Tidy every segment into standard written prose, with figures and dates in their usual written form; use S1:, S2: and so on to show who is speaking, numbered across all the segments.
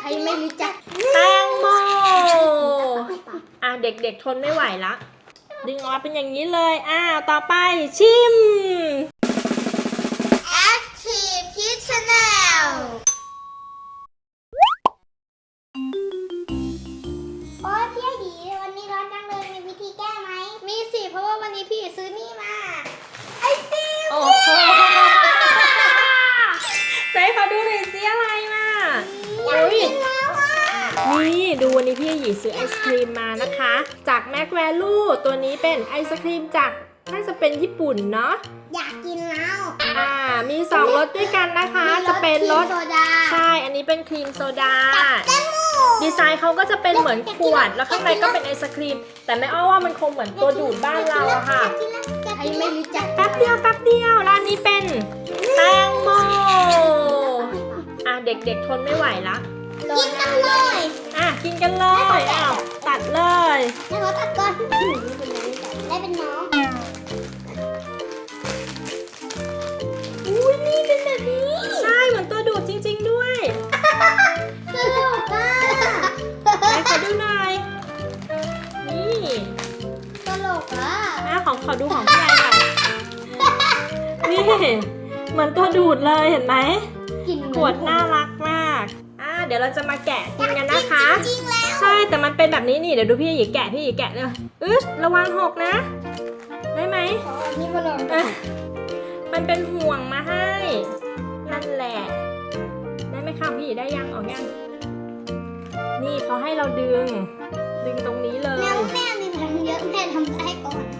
S1: ไม่รู้จัก
S2: แตงโมเด็กๆทนไม่ไหวละดึงออกมาเป็นอย่างนี้เลยต่อไปชิม
S1: Active Kids Channel โอ้ยพี่ไอดีวันนี้ร้อนจังเลยมีวิธีแก้ไหมมีสิเพราะว่าวันนี้พี่ซื้อนี่มาไอติม
S2: โอ้โหไหนขอดูหน่อยสิอะไรมานี่ดูวันนี้พี่หยีซื้อไอศครีมมานะคะจากแม็กแวลูตัวนี้เป็นไอศครีมจากน่าจะเป็นญี่ปุ่นเนาะ
S1: อยากกินแล้ว
S2: มี2รสด้วยกันนะคะจะเป็นรสใช่อันนี้เป็นครีมโซดาดีไซน์เขาก็จะเป็นเหมือนขวดแล้วข้างในก็เป็นไอศครีมแต่แม่อ้อว่ามันคงเหมือนตัวดูดบ้านเราอะค่ะ
S1: ไม่รู้จัก
S2: แป๊บเดียวร้านนี้เป็นแตงโมเด็กๆทนไม่ไหวละ
S1: กินกันเลย
S2: กินกันเลยตัดเลย
S1: ให้เขาตัดก่อนได้เป็นน้องนี่เป็นแบบนี้
S2: ใช่เหมือนตัวดูดจริงๆด้วย
S1: ตลกอ่ะ
S2: ไหนขอดูหน่อยนี่
S1: ตลกอ่ะ
S2: ขอดูของพี่ไอหน่อยนี่เหมือนตัวดูดเลยเห็นไหมขวดน่ารักมากเดี๋ยวเราจะมาแกะกินกันนะคะใช่แต่มันเป็นแบบนี้นี่เดี๋ยวดูพี่หยีแกะเลยระวังหกนะได้ไหม
S1: นี่มาลอง
S2: มันเป็นห่วงมาให้นั่นแหละได้ไหมคะพี่หยีได้ยังออกยังนี่เขาให้เราดึงตรงนี้เลย
S1: แม่มีพลังเยอะแม่ทำได้ก่อน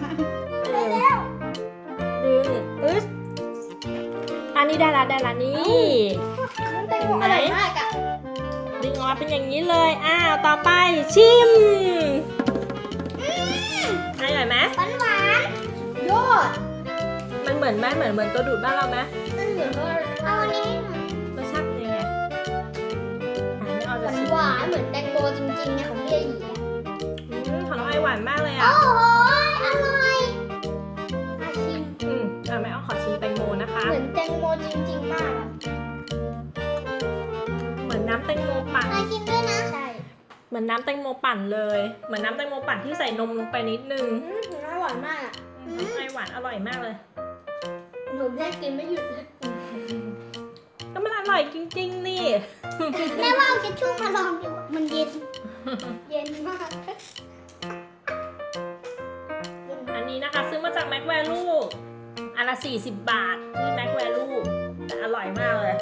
S2: ดึงอันนี้ได้ละนี่
S1: เห็นไหม
S2: ดึงออกมาเป็นอย่างนี้เลยต่อไปชิมอร่อยไหม
S1: หวานยอด
S2: มันเหมือนไหมเหมือนตัวดูดบ้านเราไหม
S1: มันเหมือนเอาอันนี้
S2: รสชาติเป็นยังไง
S1: หวานเหมือนแตงโมจริงๆนะของพี่หยี
S2: ของน้องไอหวานมากเลย
S1: โอ้โหอร่อย
S2: ชิมแม่เอาขอชิมแตงโมนะคะ
S1: เหมือนแตงโมจริงๆมาก
S2: เหมือนน้ำแตงโมปั่น
S1: ชิมด้วยนะใช่
S2: เหมือนน้ำแตงโมปั่นเลยเหมือนน้ำแตงโมปั่นที่ใส่นมลงไปนิดนึง
S1: อร่อยมาก
S2: ไอหวานอร่อยมากเลย
S1: หนูแค่กินไม่หยุดเลย
S2: ก็มันอร่อยจริงๆนี่
S1: แม่ว่าเอาเช็ดชู่มาลองดูมันเย็นมาก
S2: อันนี้นะคะซื้อมาจากแม็กแวลูอันละ40 บาทที่แม็กแวลูแต่อร่อยมากเลย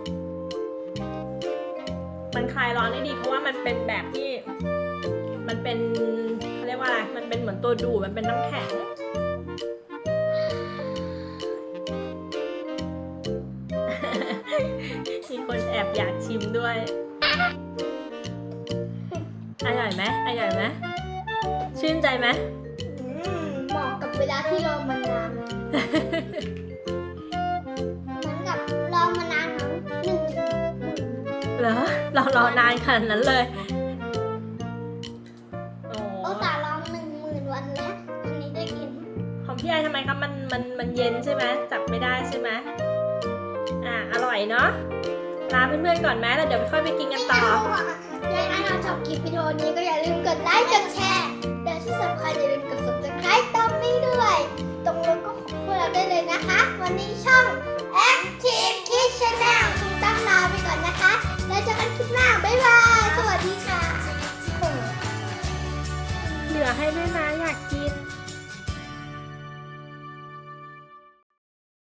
S2: มันคลายร้อนได้ดีเพราะว่ามันเป็นแบบที่มันเป็นเขาเรียกว่าอะไรมันเป็นเหมือนตัวดูดมันเป็นน้ำแข็งมีคนแอบอยากชิมด้วยอร่อยไหมชื่นใจไหม
S1: เหมาะกับเวลาที่รอมานานเหมือนกับรอมานานทั้ง
S2: เหรอเรารอนานขนาดนั้นเลย
S1: โอ้ตารอ10,000 วันแล้ววันนี้ได้กิน
S2: ของพี่ไอทำไมครับมันเย็นใช่ไหมจับไม่ได้ใช่ไหมอร่อยเนาะลาเพื่อนๆก่อนไหมแล้วเดี๋ยวค่อยไปกินกันต่อ
S1: ถ้าเราชอบคลิปวิดีโอนี้ก็อย่าลืมกดไลค์กดแชร์และที่สำคัญอย่าลืมกด subscribe ตรงนี้ด้วยตรงนั้นก็ของพวกเราได้เลยนะคะวันนี้ช่อง Active Kids Channel คุณตั้งลาไปก่อนนะคะแล้วเจอกันคลิปหน้าบ๊ายบายสวัสดีค่ะ
S2: เหลือให้ด้วยนะอยากกิน